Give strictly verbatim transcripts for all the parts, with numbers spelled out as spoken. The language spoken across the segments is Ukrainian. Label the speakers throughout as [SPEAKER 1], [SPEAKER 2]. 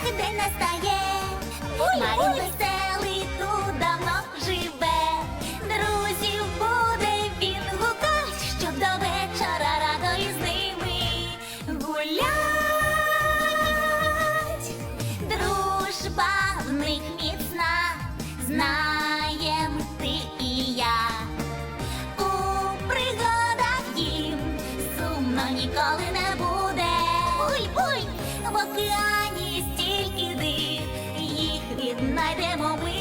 [SPEAKER 1] день настає. Марін веселий тут давно живе. Друзів буде він гукать, щоб до вечора радо із ними гулять. Дружба в них міцна, знаєм ти і я. У пригадах їм сумно ніколи не буде. Буй, буй, в океані стільки див, їх віднайдемо ми.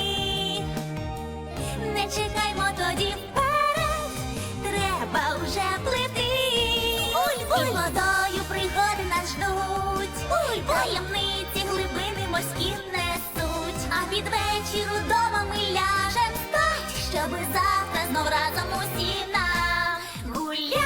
[SPEAKER 1] Не чекаймо тоді вперед, треба вже плити. Буй, буй, і водою пригоди нас ждуть. Буй, таємниці глибини морські несуть. А під вечір удома ми ляжем спать, щоби завтра знов разом усі нагулять.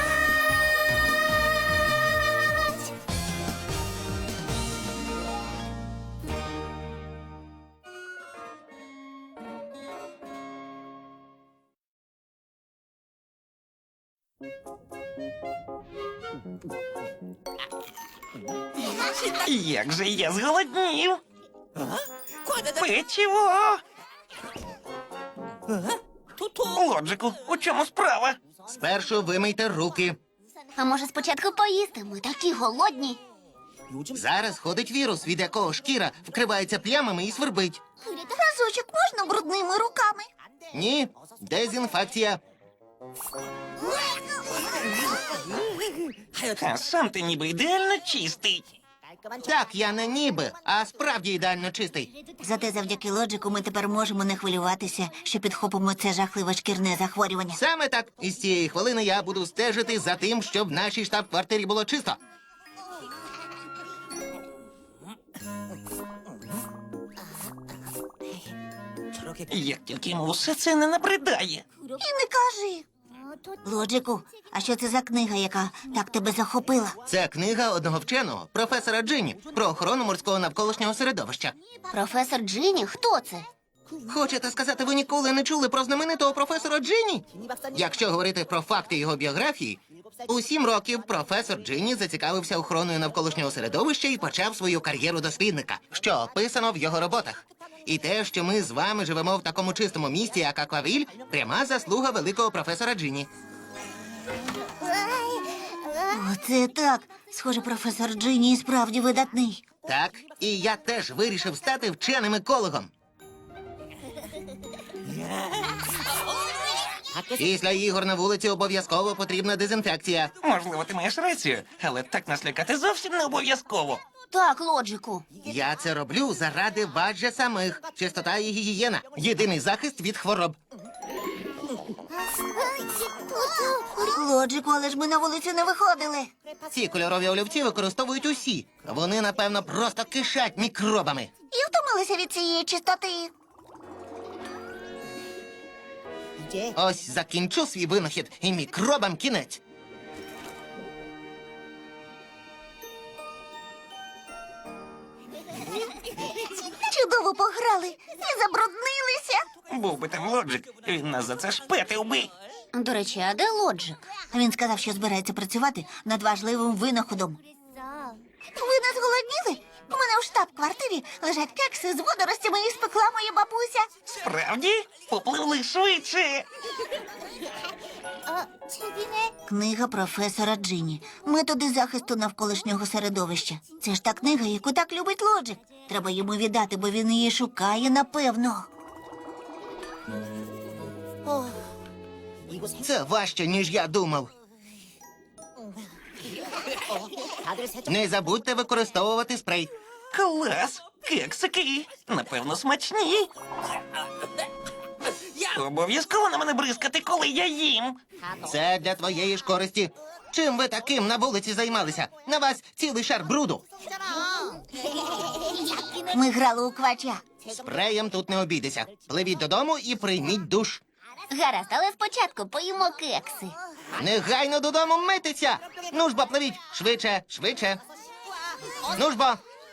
[SPEAKER 2] Як же я зголоднів. Печиво. Лоджику, у чому справа?
[SPEAKER 3] Спершу вимийте руки.
[SPEAKER 1] А може спочатку поїсти? Ми такі голодні.
[SPEAKER 3] Зараз ходить вірус, від якого шкіра вкривається плямами і свербить.
[SPEAKER 1] Разочок можна брудними руками?
[SPEAKER 3] Ні, дезінфекція.
[SPEAKER 2] А сам ти ніби ідеально чистий.
[SPEAKER 3] Так, я не ніби, а справді ідеально чистий.
[SPEAKER 4] Зате завдяки лоджику ми тепер можемо не хвилюватися, що підхопимо це жахливе шкірне захворювання.
[SPEAKER 3] Саме так. І з цієї хвилини я буду стежити за тим, щоб в нашій штаб-квартирі було чисто.
[SPEAKER 2] Як тільки йому все це не набридає.
[SPEAKER 4] І не кажи. Лоджику, а що це за книга, яка так тебе захопила?
[SPEAKER 3] Це книга одного вченого, професора Джині, про охорону морського навколишнього середовища.
[SPEAKER 1] Професор Джині? Хто це?
[SPEAKER 3] Хочете сказати, ви ніколи не чули про знаменитого професора Джині? Якщо говорити про факти його біографії, у сім років професор Джині зацікавився охороною навколишнього середовища і почав свою кар'єру дослідника, що описано в його роботах. І те, що ми з вами живемо в такому чистому місті, як Аквавіль, пряма заслуга великого професора Джині.
[SPEAKER 4] Оце так. Схоже, професор Джині і справді видатний.
[SPEAKER 3] Так, і я теж вирішив стати вченим екологом. Після ігор на вулиці обов'язково потрібна дезінфекція.
[SPEAKER 2] Можливо, ти маєш рацію, але так нас лякати зовсім не обов'язково.
[SPEAKER 1] Так, Лоджику.
[SPEAKER 3] Я це роблю заради вас же самих. Чистота і гігієна – єдиний захист від хвороб.
[SPEAKER 4] Лоджику, але ж ми на вулицю не виходили.
[SPEAKER 3] Ці кольорові олівці використовують усі. Вони, напевно, просто кишать мікробами.
[SPEAKER 4] І втомилися від цієї чистоти.
[SPEAKER 3] Ось закінчу свій винахід, і мікробам кінець.
[SPEAKER 4] Чудово пограли і забруднилися.
[SPEAKER 2] Був би там Лоджик, він нас за це шпетив би.
[SPEAKER 1] До речі, а де Лоджик?
[SPEAKER 4] Він сказав, що збирається працювати над важливим винаходом. Ви не зголодніли? У мене в штаб-квартирі лежать кекси з водоростями, і спекла моя бабуся.
[SPEAKER 2] Справді? Попливли швидше.
[SPEAKER 4] Книга професора Джині. Методи захисту навколишнього середовища. Це ж та книга, яку так любить Лоджик. Треба йому віддати, бо він її шукає, напевно.
[SPEAKER 3] Це важче, ніж я думав. Не забудьте використовувати спрей.
[SPEAKER 2] Клас! Кексики! Напевно, смачні. Обов'язково на мене бризкати, коли я їм.
[SPEAKER 3] Це для твоєї ж користі. Чим ви таким на вулиці займалися? На вас цілий шар бруду.
[SPEAKER 4] Ми грали у квача.
[SPEAKER 3] Спреєм тут не обійдеся. Пливіть додому і прийміть душ.
[SPEAKER 1] Гаразд, але спочатку поїмо кекси.
[SPEAKER 3] Негайно додому митися! Ну ж бо, пливіть! Швидше, швидше! Ну ж бо!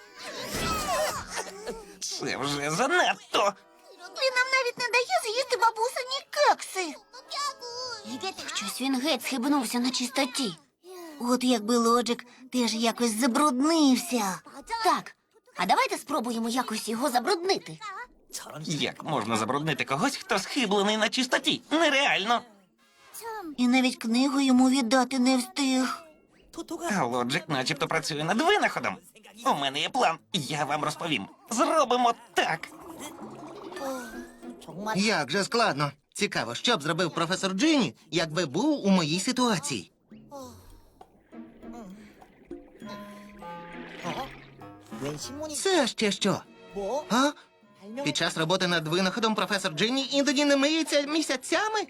[SPEAKER 2] Це вже занадто.
[SPEAKER 4] Він нам навіть не дає з'їсти бабусині кекси.
[SPEAKER 1] Щось він геть схибнувся на чистоті.
[SPEAKER 4] От якби Лоджик теж якось забруднився.
[SPEAKER 1] Так, А давайте спробуємо якось його забруднити.
[SPEAKER 2] Як можна забруднити когось, хто схиблений на чистоті? Нереально.
[SPEAKER 4] І навіть книгу йому віддати не встиг.
[SPEAKER 2] А Лоджик начебто працює над винаходом. У мене є план, я вам розповім. Зробимо так.
[SPEAKER 3] Як же складно. Цікаво, що б зробив професор Джині, якби був у моїй ситуації. Це ще що? А? Під час роботи над винаходом професор Джині іноді не миється місяцями?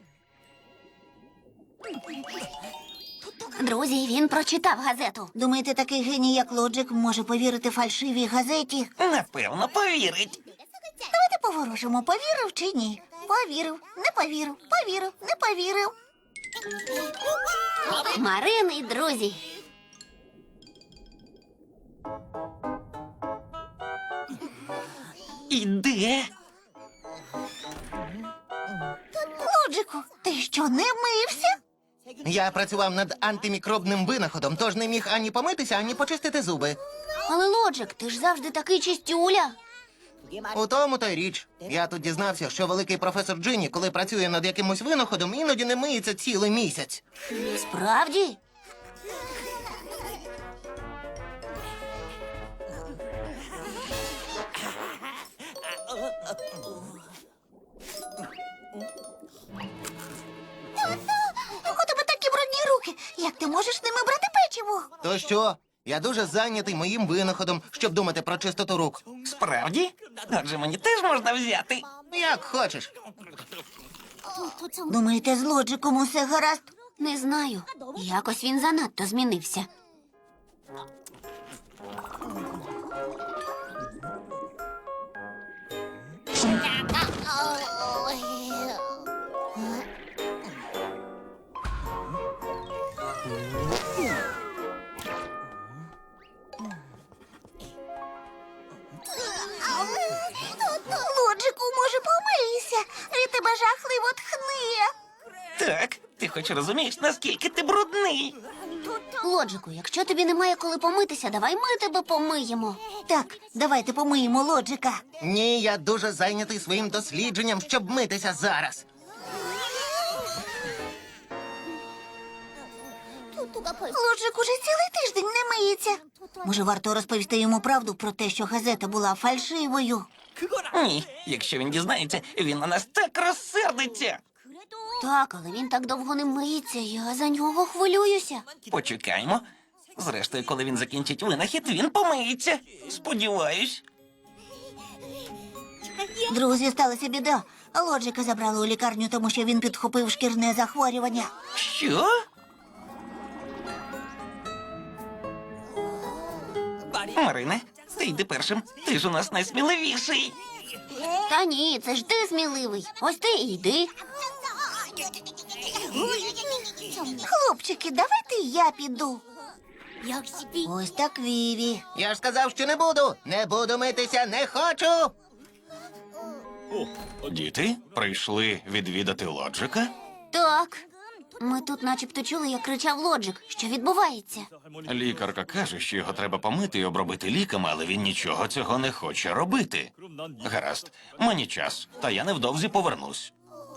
[SPEAKER 1] Друзі, він прочитав газету.
[SPEAKER 4] Думаєте, такий геній, як Лоджик, може повірити фальшивій газеті?
[SPEAKER 2] Напевно, повірить.
[SPEAKER 4] Давайте поворожимо, повірив чи ні. Повірив, не повірив, повірив, не повірив.
[SPEAKER 1] Марин і друзі.
[SPEAKER 2] Іде.
[SPEAKER 4] Лоджику, ти що, не мився?
[SPEAKER 3] Я працював над антимікробним винаходом, тож не міг ані помитися, ані почистити зуби.
[SPEAKER 1] Але Лоджик, ти ж завжди такий чистюля.
[SPEAKER 3] У тому то й річ. Я тут дізнався, що великий професор Джині, коли працює над якимось винаходом, іноді не миється цілий місяць.
[SPEAKER 1] Справді?
[SPEAKER 4] У тебе такі брудні руки. Як ти можеш ними брати печиво?
[SPEAKER 3] То що? Я дуже зайнятий моїм винаходом, щоб думати про чистоту рук.
[SPEAKER 2] Справді? Отже, мені теж можна взяти.
[SPEAKER 3] Як хочеш.
[SPEAKER 4] Думаєте, з Лоджиком усе гаразд?
[SPEAKER 1] Не знаю. Якось він занадто змінився.
[SPEAKER 4] Лоджику, може, помийся? Від тебе жахливо тхне.
[SPEAKER 2] Так, ти хоч розумієш, наскільки ти брудний.
[SPEAKER 1] Лоджику, якщо тобі немає коли помитися, давай ми тебе помиємо.
[SPEAKER 4] Так, давайте помиємо Лоджика.
[SPEAKER 3] Ні, я дуже зайнятий своїм дослідженням, щоб митися зараз.
[SPEAKER 4] Лоджик уже цілий тиждень не миється. Може, варто розповісти йому правду про те, що газета була фальшивою?
[SPEAKER 2] Ні, якщо він дізнається, він на нас так розсердиться.
[SPEAKER 1] Так, але він так довго не миється, я за нього хвилююся.
[SPEAKER 2] Почекаємо. Зрештою, коли він закінчить винахід, він помиється. Сподіваюсь.
[SPEAKER 4] Друзі, сталася біда. Лоджика забрали у лікарню, тому що він підхопив шкірне захворювання.
[SPEAKER 2] Що? Марине, ти йди першим. Ти ж у нас найсміливіший.
[SPEAKER 1] Та ні, це ж ти сміливий. Ось ти і йди.
[SPEAKER 4] Хлопчики, давайте я піду. Ось так Віві.
[SPEAKER 3] Я ж сказав, що не буду. Не буду митися, не хочу.
[SPEAKER 2] Діти прийшли відвідати Лоджика?
[SPEAKER 1] Так. Ми тут начебто чули, як кричав Лоджик. Що відбувається?
[SPEAKER 2] Лікарка каже, що його треба помити і обробити ліками, але він нічого цього не хоче робити. Гаразд, мені час, та я невдовзі повернусь.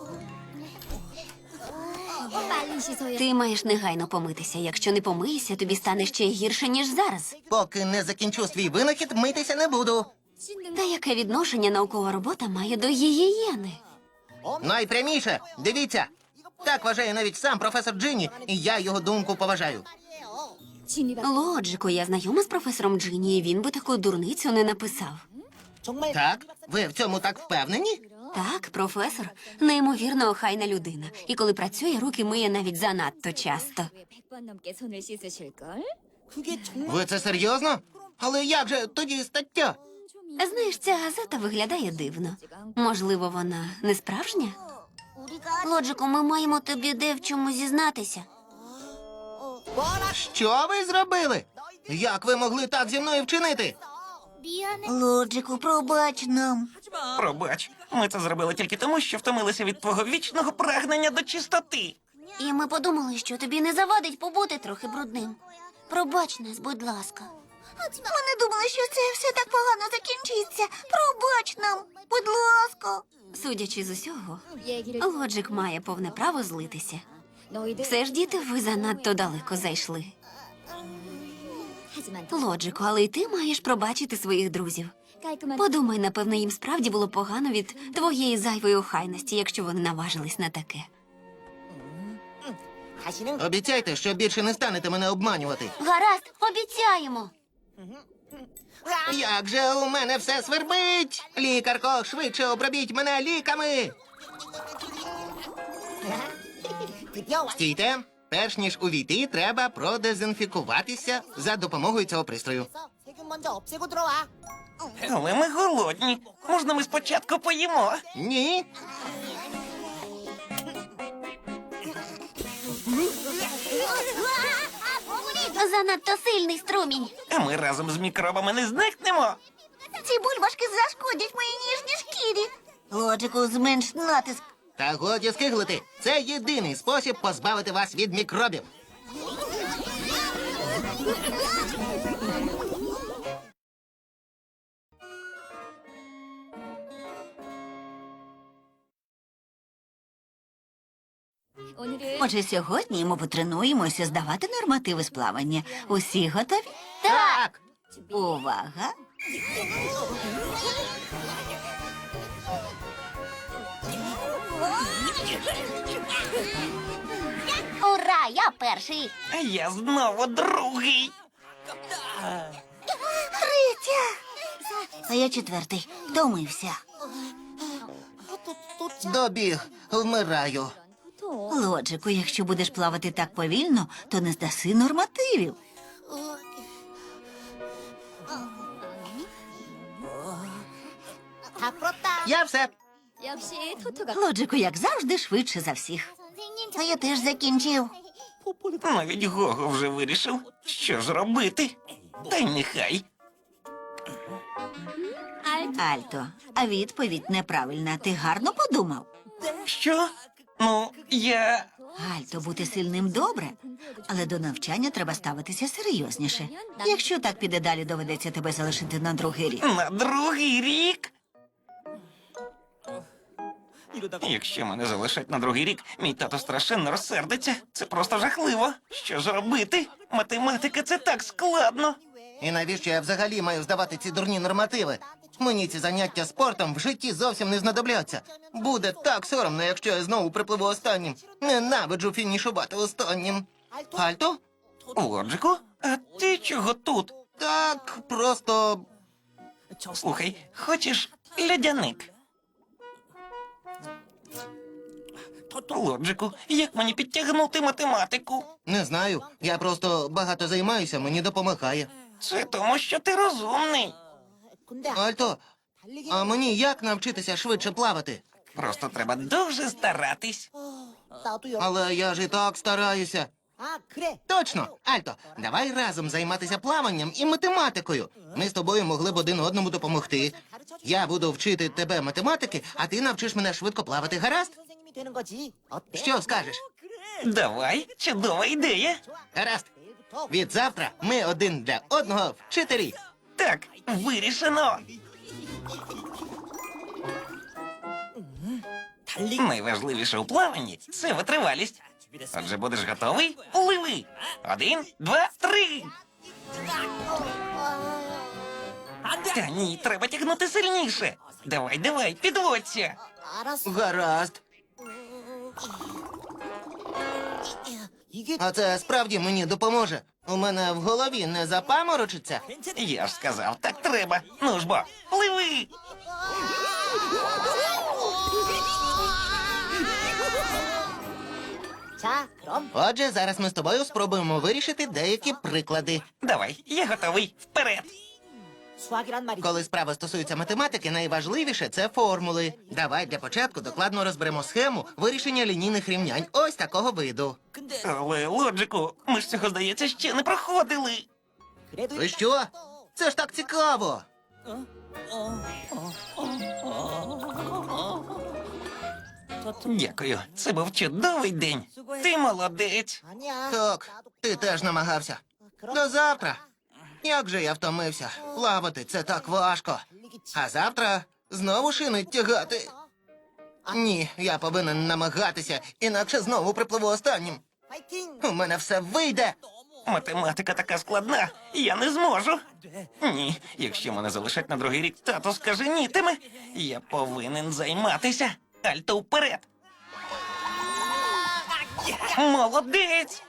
[SPEAKER 1] Ти маєш негайно помитися. Якщо не помиєшся, тобі стане ще гірше, ніж зараз.
[SPEAKER 3] Поки не закінчу свій винахід, митися не буду.
[SPEAKER 1] Та яке відношення наукова робота має до гігієни?
[SPEAKER 3] Найпряміше, дивіться. Так вважає навіть сам професор Джині, і я його думку поважаю.
[SPEAKER 1] Лоджику, я знайома з професором Джині, і він би таку дурницю не написав.
[SPEAKER 3] Так? Ви в цьому так впевнені?
[SPEAKER 1] Так, професор, неймовірно охайна людина. І коли працює, руки миє навіть занадто часто.
[SPEAKER 5] 백 번 넘게 손을 씻으실걸?
[SPEAKER 3] Ви це серйозно? Але як же тоді стаття?
[SPEAKER 1] Знаєш, ця газета виглядає дивно. Можливо, вона не справжня? Лоджику, ми маємо тобі де в чому зізнатися.
[SPEAKER 3] Що ви зробили? Як ви могли так зі мною вчинити?
[SPEAKER 4] Лоджику, пробач нам.
[SPEAKER 2] Пробач, ми це зробили тільки тому, що втомилися від твого вічного прагнення до чистоти.
[SPEAKER 1] І ми подумали, що тобі не завадить побути трохи брудним. Пробач нас, будь ласка.
[SPEAKER 4] Ми не думали, що це все так погано закінчиться. Пробач нам, будь ласка.
[SPEAKER 1] Судячи з усього,
[SPEAKER 5] 얘기를
[SPEAKER 1] Лоджик має повне право злитися.
[SPEAKER 5] 너희들
[SPEAKER 1] Все ж, діти, ви занадто далеко зайшли.
[SPEAKER 5] 하지만
[SPEAKER 1] Лоджику, але й ти маєш пробачити своїх друзів.
[SPEAKER 5] 깔끔한
[SPEAKER 1] Подумай, напевно, їм справді було погано від твоєї зайвої охайності, якщо вони наважились на таке.
[SPEAKER 3] Обіцяйте, що більше не станете мене обманювати.
[SPEAKER 1] Гаразд, обіцяємо.
[SPEAKER 3] Як же у мене все свербить! Лікарко, швидше обробіть мене ліками! Стійте! Перш ніж увійти, треба продезінфікуватися за допомогою цього пристрою.
[SPEAKER 2] Але ми голодні. Можна ми спочатку поїмо?
[SPEAKER 3] Ні.
[SPEAKER 1] Занадто сильний струмінь.
[SPEAKER 2] А ми разом з мікробами не зникнемо.
[SPEAKER 4] Ці бульбашки зашкодять моїй ніжній шкірі. Лоджику, зменш натиск.
[SPEAKER 3] Та годі скиглити. Це єдиний спосіб позбавити вас від мікробів.
[SPEAKER 5] 오늘은
[SPEAKER 4] Отже, сьогодні ми потренуємося здавати нормативи з плавання. Усі готові?
[SPEAKER 3] Так!
[SPEAKER 4] Увага!
[SPEAKER 1] Ура, я перший.
[SPEAKER 2] А я знову другий.
[SPEAKER 4] Третя! А я четвертий. Втомився.
[SPEAKER 3] Добіг, вмираю.
[SPEAKER 5] 보통
[SPEAKER 4] Лоджику, якщо будеш плавати так повільно, то не здаси нормативів.
[SPEAKER 3] Я все.
[SPEAKER 5] 역시 토토가
[SPEAKER 4] Лоджику, як завжди, швидше за всіх. А я теж закінчив.
[SPEAKER 2] Навіть Гого вже вирішив, що ж робити. Та й нехай.
[SPEAKER 4] Альто, а відповідь неправильна. Ти гарно подумав?
[SPEAKER 2] Що? Ну, я.
[SPEAKER 4] Альто, бути сильним добре, але до навчання треба ставитися серйозніше. Якщо так піде далі, доведеться тебе залишити на другий рік.
[SPEAKER 2] На другий рік. Якщо мене залишать на другий рік, мій тато страшенно розсердиться. Це просто жахливо. Що ж робити? Математика це так складно.
[SPEAKER 3] І навіщо я взагалі маю здавати ці дурні нормативи? Мені ці заняття спортом в житті зовсім не знадобляться. Буде так соромно, якщо я знову припливу останнім. Ненавиджу фінішувати останнім. Альто?
[SPEAKER 2] Лоджику, а ти чого тут?
[SPEAKER 3] Так, просто.
[SPEAKER 2] Слухай, хочеш льодяник? Лоджику, як мені підтягнути математику?
[SPEAKER 3] Не знаю. Я просто багато займаюся, мені допомагає.
[SPEAKER 2] Це тому, що ти розумний.
[SPEAKER 3] Альто, а мені як навчитися швидше плавати?
[SPEAKER 2] Просто треба дуже старатись.
[SPEAKER 3] Але я ж і так стараюся. Точно, Альто, давай разом займатися плаванням і математикою. Ми з тобою могли б один одному допомогти. Я буду вчити тебе математики, а ти навчиш мене швидко плавати, гаразд? Що скажеш?
[SPEAKER 2] Давай, чудова ідея.
[SPEAKER 3] Гаразд. Від завтра ми один для одного вчителі.
[SPEAKER 2] Так, вирішено. Найважливіше у плаванні це витривалість. Отже, будеш готовий? Пливи. Один, два, три. Та ні, треба тягнути сильніше. Давай, давай, підводься.
[SPEAKER 3] Гаразд. А це справді мені допоможе. У мене в голові не запаморочиться.
[SPEAKER 2] Я ж сказав, так треба. Ну ж бо, пливи.
[SPEAKER 3] Отже, зараз ми з тобою спробуємо вирішити деякі приклади.
[SPEAKER 2] Давай, я готовий. Вперед.
[SPEAKER 3] Коли справа стосується математики, найважливіше це формули. Давай для початку докладно розберемо схему вирішення лінійних рівнянь ось такого виду.
[SPEAKER 2] Але, Лоджику, ми ж цього, здається, ще не проходили.
[SPEAKER 3] Ви що? Це ж так цікаво.
[SPEAKER 2] Дякую, це був чудовий день. Ти молодець.
[SPEAKER 3] Так, ти теж намагався. До завтра. Як же я втомився. Плавати це так важко. А завтра знову шини тягати. Ні, я повинен намагатися, інакше знову припливу останнім. У мене все вийде.
[SPEAKER 2] Математика така складна, я не зможу. Ні, якщо мене залишать на другий рік, тато скаженітиме. Я повинен займатися. Альто вперед. Молодець!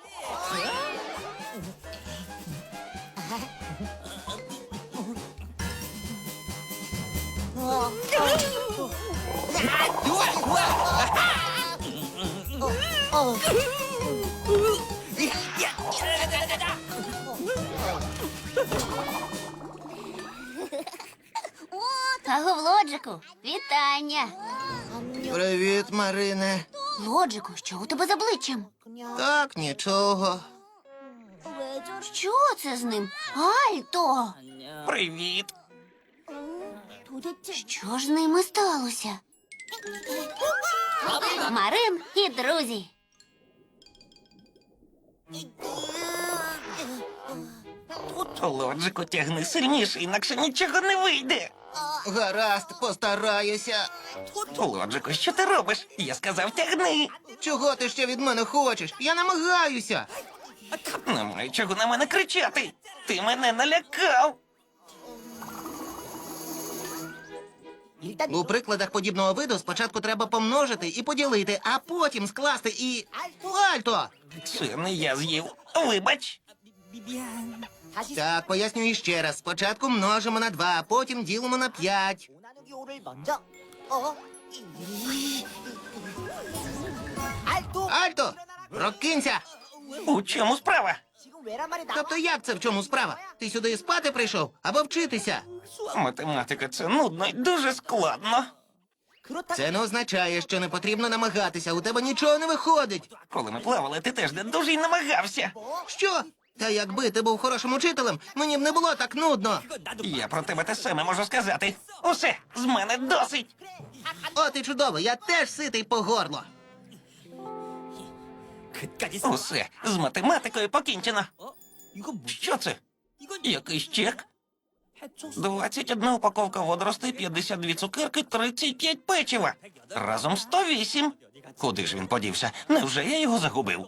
[SPEAKER 1] Аго, Лоджику, вітання.
[SPEAKER 3] Привіт, Марине.
[SPEAKER 1] Лоджику, що у тебе з обличчям?
[SPEAKER 3] Так, нічого.
[SPEAKER 1] Що це з ним? Альто!
[SPEAKER 2] Привіт!
[SPEAKER 1] Що ж з ними сталося? Марин і друзі.
[SPEAKER 2] Лоджику, тягни сильніше, інакше нічого не вийде.
[SPEAKER 3] Гаразд, постараюся.
[SPEAKER 2] Лоджику, що ти робиш? Я сказав, тягни.
[SPEAKER 3] Чого ти ще від мене хочеш? Я намагаюся.
[SPEAKER 2] Немає чого на мене кричати. Ти мене налякав.
[SPEAKER 3] У прикладах подібного виду спочатку треба помножити і поділити, а потім скласти і... Альто!
[SPEAKER 2] Це не я з'їв. Вибач.
[SPEAKER 3] Так, пояснюю ще раз. Спочатку множимо на два, а потім ділимо на п'ять. Альто! Прокинься!
[SPEAKER 2] У чому справа?
[SPEAKER 3] Тобто як це в чому справа? Ти сюди спати прийшов або вчитися?
[SPEAKER 2] Математика це нудно і дуже складно.
[SPEAKER 3] Це не означає, що не потрібно намагатися. У тебе нічого не виходить.
[SPEAKER 2] Коли ми плавали, ти теж не дуже й намагався.
[SPEAKER 3] Що? Та якби ти був хорошим учителем, мені б не було так нудно.
[SPEAKER 2] Я про тебе те саме можу сказати. Усе, з мене досить.
[SPEAKER 3] От і чудово, я теж ситий по горло.
[SPEAKER 2] Усе, з математикою покінчено. Що це? Якийсь чек? двадцять одна упаковка водоростей, п'ятдесят дві цукерки, тридцять п'ять печива. Разом сто вісім. Куди ж він подівся? Невже я його загубив?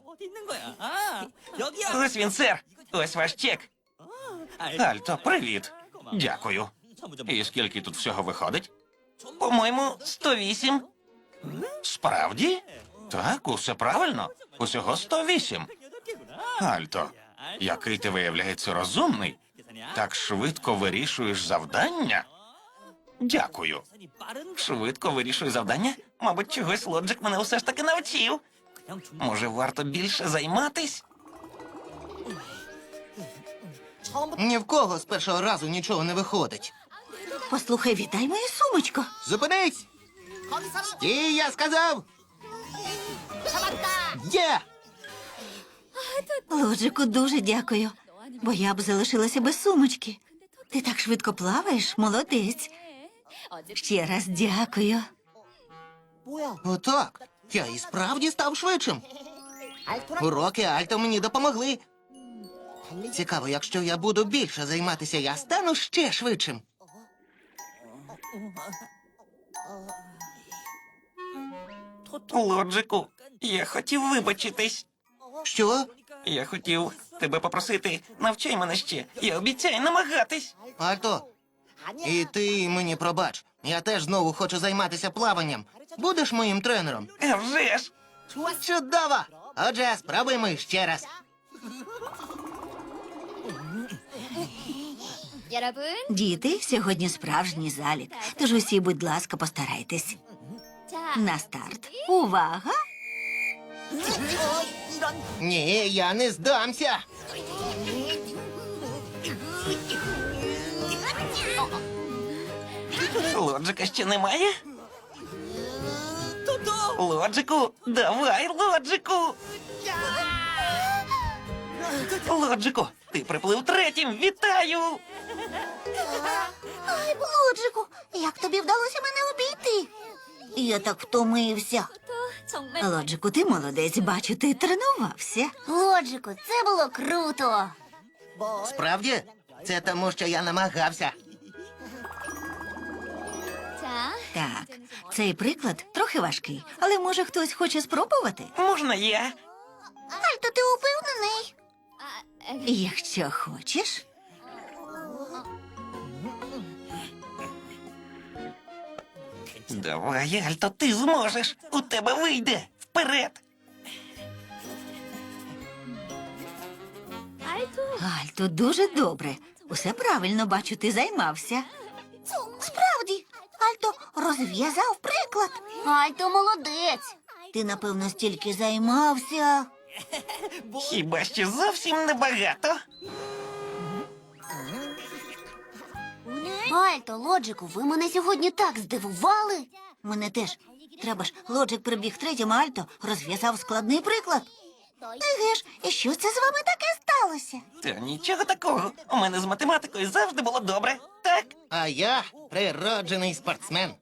[SPEAKER 2] Ось він, сер. Ось ваш чек. Альто, привіт. Дякую. І скільки тут всього виходить? По-моєму, сто вісім. Справді? Так, усе правильно. Усього сто вісім. Альто, який ти виявляється розумний. Так швидко вирішуєш завдання? Дякую. Швидко вирішую завдання? Мабуть, чогось Лоджик мене усе ж таки навчив. Може, варто більше займатись?
[SPEAKER 3] Ні в кого з першого разу нічого не виходить.
[SPEAKER 4] Послухай, віддай мою сумочку.
[SPEAKER 3] Зупинись! Стій, я сказав! Є!
[SPEAKER 4] Лоджику, дуже дякую, бо я б залишилася без сумочки. Ти так швидко плаваєш, молодець. Ще раз дякую.
[SPEAKER 3] Отак. Я і справді став швидшим. Уроки Альто мені допомогли. Цікаво, якщо я буду більше займатися, я стану ще швидшим.
[SPEAKER 2] Лоджику, я хотів вибачитись.
[SPEAKER 3] Що?
[SPEAKER 2] Я хотів тебе попросити, навчай мене ще. Я обіцяю намагатись.
[SPEAKER 3] Альто, і ти мені пробач. Я теж знову хочу займатися плаванням. Будеш моїм тренером?
[SPEAKER 2] А вже ж!
[SPEAKER 3] Чудово! Отже, спробуємо ще раз.
[SPEAKER 5] 여러분,
[SPEAKER 4] Діти, сьогодні справжній залік, тож усі, будь ласка, постарайтесь.
[SPEAKER 5] 자,
[SPEAKER 4] На старт. Увага!
[SPEAKER 3] Ні, я не здамся.
[SPEAKER 2] Лоджика ще немає? Лоджику, давай, Лоджику! Лоджику, ти приплив третім, вітаю!
[SPEAKER 4] Ай, Лоджику, як тобі вдалося мене обійти? Я так втомився.
[SPEAKER 5] 또 정말
[SPEAKER 4] Лоджику, ти молодець, бачу, ти тренувався.
[SPEAKER 1] Лоджику, це було круто.
[SPEAKER 3] Справді? Це тому, що я намагався.
[SPEAKER 5] 자,
[SPEAKER 6] Так, цей приклад трохи важкий, але може хтось хоче спробувати?
[SPEAKER 2] Можна я?
[SPEAKER 4] Альто, ти упевнений?
[SPEAKER 5] 아,
[SPEAKER 6] Якщо хочеш.
[SPEAKER 2] Давай, Альто, ти зможеш. У тебе вийде. Вперед.
[SPEAKER 5] 알토.
[SPEAKER 6] Альто, дуже добре. Усе правильно бачу, ти займався.
[SPEAKER 4] Справді, Альто розв'язав приклад.
[SPEAKER 1] Альто молодець.
[SPEAKER 4] Ти, напевно, стільки займався.
[SPEAKER 2] Хіба що зовсім небагато.
[SPEAKER 1] Альто, Лоджику, ви мене сьогодні так здивували.
[SPEAKER 4] Мене теж. Треба ж, Лоджик прибіг третім, а Альто розв'язав складний приклад. Еге ж, і що це з вами таке сталося?
[SPEAKER 2] Та нічого такого. У мене з математикою завжди було добре. Так?
[SPEAKER 3] А я природжений спортсмен.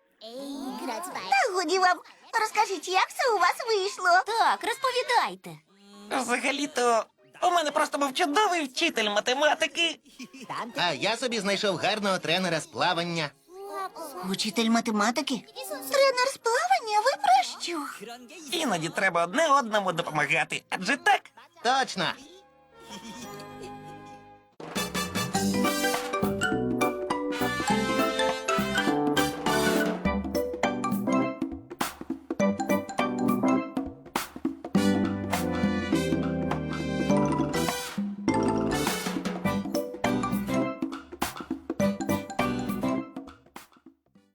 [SPEAKER 4] Та годі вам, розкажіть, як це у вас вийшло?
[SPEAKER 1] Так, розповідайте.
[SPEAKER 2] Взагалі-то у мене просто був чудовий вчитель математики.
[SPEAKER 3] А я собі знайшов гарного тренера з плавання.
[SPEAKER 4] Учитель математики? Тренер з плавання? Ви про що?
[SPEAKER 2] Іноді треба одне одному допомагати. Адже так?
[SPEAKER 3] Точно.